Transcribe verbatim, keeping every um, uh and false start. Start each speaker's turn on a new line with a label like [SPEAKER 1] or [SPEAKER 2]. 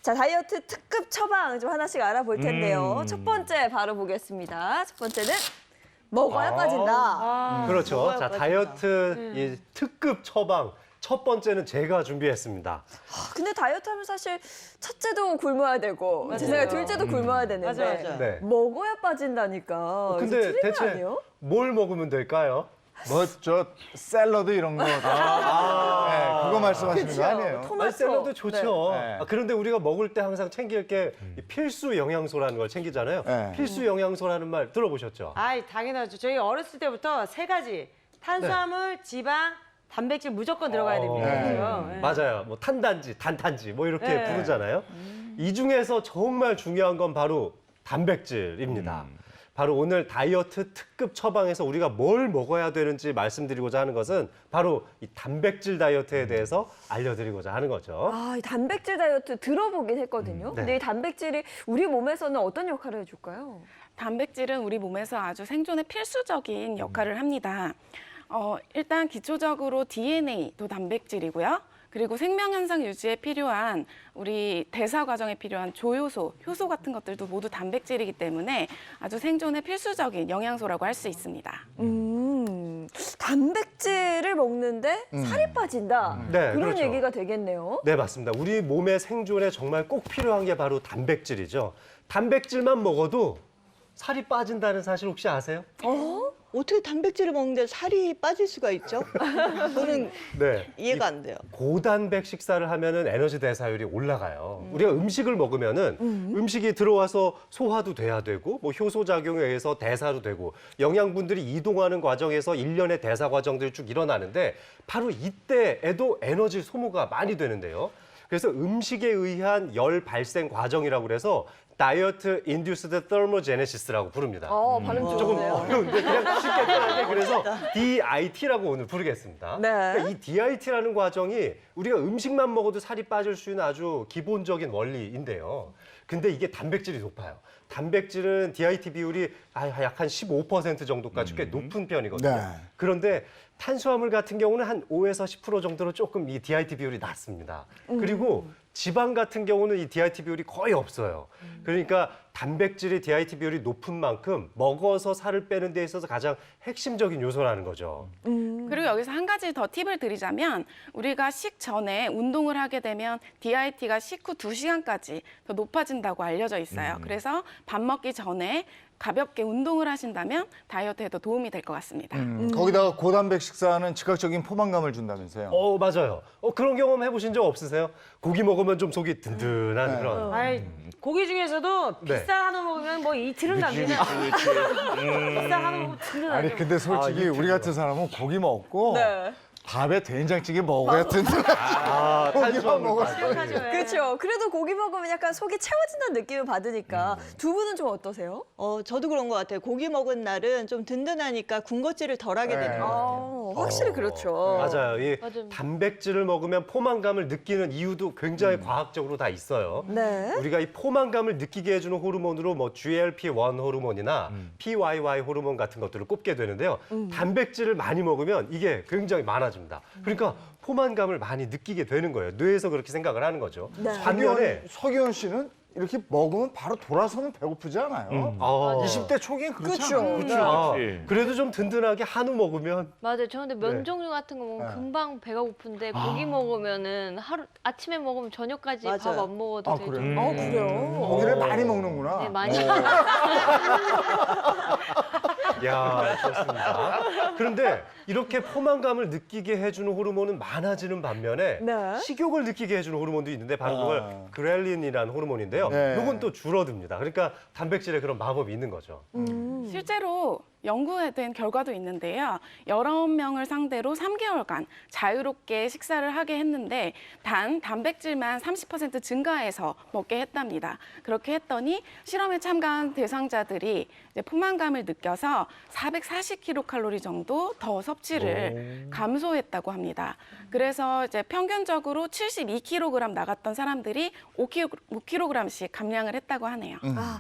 [SPEAKER 1] 자, 다이어트 특급 처방 좀 하나씩 알아볼 텐데요.
[SPEAKER 2] 음.
[SPEAKER 1] 첫 번째 바로 보겠습니다. 첫 번째는 먹어야
[SPEAKER 2] 아.
[SPEAKER 1] 빠진다.
[SPEAKER 3] 아,
[SPEAKER 2] 그렇죠.
[SPEAKER 3] 먹어야
[SPEAKER 2] 자,
[SPEAKER 3] 빠진다.
[SPEAKER 2] 다이어트 이 특급 처방 첫 번째는 제가 준비했습니다.
[SPEAKER 1] 아, 근데 다이어트 하면 사실 첫째도 굶어야 되고 제 생각에 둘째도 굶어야 되는데
[SPEAKER 3] 맞아, 맞아.
[SPEAKER 2] 네.
[SPEAKER 1] 먹어야 빠진다니까.
[SPEAKER 2] 근데
[SPEAKER 1] 이거 틀린 거
[SPEAKER 2] 대체
[SPEAKER 1] 아니에요?
[SPEAKER 2] 뭘 먹으면 될까요?
[SPEAKER 4] 뭐 저 샐러드 이런 거.
[SPEAKER 2] 아,
[SPEAKER 4] 네, 그거 말씀하시는
[SPEAKER 1] 그쵸.
[SPEAKER 4] 거 아니에요?
[SPEAKER 1] 토마토.
[SPEAKER 2] 아니, 샐러드 좋죠.
[SPEAKER 4] 네.
[SPEAKER 2] 아, 그런데 우리가 먹을 때 항상 챙길 게이 필수 영양소라는 걸 챙기잖아요.
[SPEAKER 4] 네.
[SPEAKER 2] 필수 영양소라는 말 들어보셨죠?
[SPEAKER 3] 아이, 당연하죠. 저희 어렸을 때부터 세 가지. 탄수화물, 지방, 단백질 무조건 들어가야 됩니다.
[SPEAKER 2] 네.
[SPEAKER 3] 그죠? 네.
[SPEAKER 2] 맞아요. 뭐 탄단지, 단탄지 뭐 이렇게
[SPEAKER 3] 네.
[SPEAKER 2] 부르잖아요. 이 중에서 정말 중요한 건 바로 단백질입니다. 바로 오늘 다이어트 특급 처방에서 우리가 뭘 먹어야 되는지 말씀드리고자 하는 것은 바로 이 단백질 다이어트에 대해서 알려드리고자 하는 거죠.
[SPEAKER 1] 아, 이 단백질 다이어트 들어보긴 했거든요.
[SPEAKER 2] 네.
[SPEAKER 1] 근데 이 단백질이 우리 몸에서는 어떤 역할을 해줄까요?
[SPEAKER 5] 단백질은 우리 몸에서 아주 생존에 필수적인 역할을 합니다. 어, 일단 기초적으로 디엔에이도 단백질이고요. 그리고 생명 현상 유지에 필요한 우리 대사 과정에 필요한 조효소, 효소 같은 것들도 모두 단백질이기 때문에 아주 생존에 필수적인 영양소라고 할 수 있습니다.
[SPEAKER 1] 음, 단백질을 먹는데 살이 빠진다.
[SPEAKER 2] 네,
[SPEAKER 1] 그런
[SPEAKER 2] 그렇죠.
[SPEAKER 1] 얘기가 되겠네요.
[SPEAKER 2] 네, 맞습니다. 우리 몸의 생존에 정말 꼭 필요한 게 바로 단백질이죠. 단백질만 먹어도 살이 빠진다는 사실 혹시 아세요?
[SPEAKER 6] 어떻게 단백질을 먹는데 살이 빠질 수가 있죠? 저는
[SPEAKER 2] 네.
[SPEAKER 6] 이해가 안 돼요.
[SPEAKER 2] 고단백 식사를 하면은 에너지 대사율이 올라가요. 우리가 음식을 먹으면은 음식이 들어와서 소화도 돼야 되고 뭐 효소 작용에 의해서 대사도 되고 영양분들이 이동하는 과정에서 일련의 대사 과정들이 쭉 일어나는데 바로 이때에도 에너지 소모가 많이 되는데요. 그래서 음식에 의한 열 발생 과정이라고 그래서 다이어트 인듀스드 테르모제네시스라고 부릅니다.
[SPEAKER 1] 어, 발음
[SPEAKER 2] 조금
[SPEAKER 1] 좋은데요.
[SPEAKER 2] 어려운데 그냥 쉽게 편하게 그래서 디아이티라고 오늘 부르겠습니다.
[SPEAKER 1] 네.
[SPEAKER 2] 그러니까 이 디아이티라는 과정이 우리가 음식만 먹어도 살이 빠질 수 있는 아주 기본적인 원리인데요. 근데 이게 단백질이 높아요. 단백질은 디아이티 비율이 약 한 십오 퍼센트 정도까지 꽤 높은 편이거든요.
[SPEAKER 4] 네.
[SPEAKER 2] 그런데 탄수화물 같은 경우는 한 오에서 십 퍼센트 정도로 조금 이 디아이티 비율이 낮습니다. 그리고 지방 같은 경우는 이 디아이티 비율이 거의 없어요. 그러니까 단백질의 디아이티 비율이 높은 만큼 먹어서 살을 빼는 데 있어서 가장 핵심적인 요소라는 거죠.
[SPEAKER 5] 그리고 여기서 한 가지 더 팁을 드리자면 우리가 식전에 운동을 하게 되면 디아이티가 식후 두 시간까지 더 높아진다고 알려져 있어요. 그래서 밥 먹기 전에 가볍게 운동을 하신다면 다이어트에도 도움이 될 것 같습니다.
[SPEAKER 4] 음, 거기다가 고단백 식사는 즉각적인 포만감을 준다면서요.
[SPEAKER 2] 어, 맞아요. 어, 그런 경험 해보신 적 없으세요? 고기 먹으면 좀 속이 든든한
[SPEAKER 4] 네.
[SPEAKER 2] 그런.
[SPEAKER 3] 아이, 고기 중에서도
[SPEAKER 2] 네.
[SPEAKER 3] 비싼 한우 먹으면 뭐 이틀은 갑니다. 비싼 한우 먹으면 든든하죠.
[SPEAKER 4] 아니 근데 솔직히
[SPEAKER 2] 아,
[SPEAKER 4] 우리 같은 사람은 고기 먹고
[SPEAKER 1] 네.
[SPEAKER 4] 밥에 된장찌개 먹어야 든든하지.
[SPEAKER 2] 아,
[SPEAKER 4] 고기만
[SPEAKER 2] 탄수화물.
[SPEAKER 4] 먹어서.
[SPEAKER 3] 생각하죠. 예.
[SPEAKER 1] 그렇죠. 그래도 고기 먹으면 약간 속이 채워진다는 느낌을 받으니까 두 분은 좀 어떠세요?
[SPEAKER 6] 어, 저도 그런 것 같아요. 고기 먹은 날은 좀 든든하니까 군것질을 덜 하게 되는 것 같아요.
[SPEAKER 1] 아, 확실히 그렇죠.
[SPEAKER 2] 맞아요. 이
[SPEAKER 3] 맞아요.
[SPEAKER 2] 단백질을 먹으면 포만감을 느끼는 이유도 굉장히 과학적으로 다 있어요.
[SPEAKER 1] 네.
[SPEAKER 2] 우리가 이 포만감을 느끼게 해주는 호르몬으로 뭐 지엘피 원 호르몬이나 피와이와이 호르몬 같은 것들을 꼽게 되는데요. 단백질을 많이 먹으면 이게 굉장히 많아집니다. 그러니까 포만감을 많이 느끼게 되는 거예요. 뇌에서 그렇게 생각을 하는 거죠.
[SPEAKER 1] 네.
[SPEAKER 2] 반면에
[SPEAKER 4] 서기현 씨는 이렇게 먹으면 바로 돌아서면 배고프지 않아요?
[SPEAKER 2] 아,
[SPEAKER 4] 이십 대 초기엔 그렇지
[SPEAKER 1] 그쵸.
[SPEAKER 4] 않아요?
[SPEAKER 2] 아,
[SPEAKER 7] 그렇지.
[SPEAKER 2] 그래도 좀 든든하게 한우 먹으면
[SPEAKER 8] 맞아요. 저 근데 면
[SPEAKER 2] 네.
[SPEAKER 8] 종류 같은 거 먹으면
[SPEAKER 4] 네.
[SPEAKER 8] 금방 배가 고픈데 고기 먹으면은 하루 아침에 먹으면 저녁까지 밥
[SPEAKER 6] 맞아요.
[SPEAKER 8] 안 먹어도
[SPEAKER 4] 아,
[SPEAKER 8] 되죠.
[SPEAKER 4] 그래요?
[SPEAKER 1] 아, 그래요?
[SPEAKER 4] 고기를 많이 먹는구나.
[SPEAKER 8] 네, 많이.
[SPEAKER 2] 야, 좋습니다. 그런데 이렇게 포만감을 느끼게 해주는 호르몬은 많아지는 반면에
[SPEAKER 1] 네.
[SPEAKER 2] 식욕을 느끼게 해주는 호르몬도 있는데 바로 그걸
[SPEAKER 4] 아.
[SPEAKER 2] 그렐린이라는 호르몬인데요.
[SPEAKER 4] 네.
[SPEAKER 2] 이건 또 줄어듭니다. 그러니까 단백질에 그런 마법이 있는 거죠.
[SPEAKER 5] 실제로 연구된 결과도 있는데요. 열아홉 명을 상대로 삼 개월간 자유롭게 식사를 하게 했는데 단 단백질만 삼십 퍼센트 증가해서 먹게 했답니다. 그렇게 했더니 실험에 참가한 대상자들이 이제 포만감을 느껴서 사백사십 킬로칼로리 정도 더 섭취를 감소했다고 합니다. 그래서 이제 평균적으로 칠십이 킬로그램 나갔던 사람들이 오 킬로그램씩 감량을 했다고 하네요.
[SPEAKER 1] 아,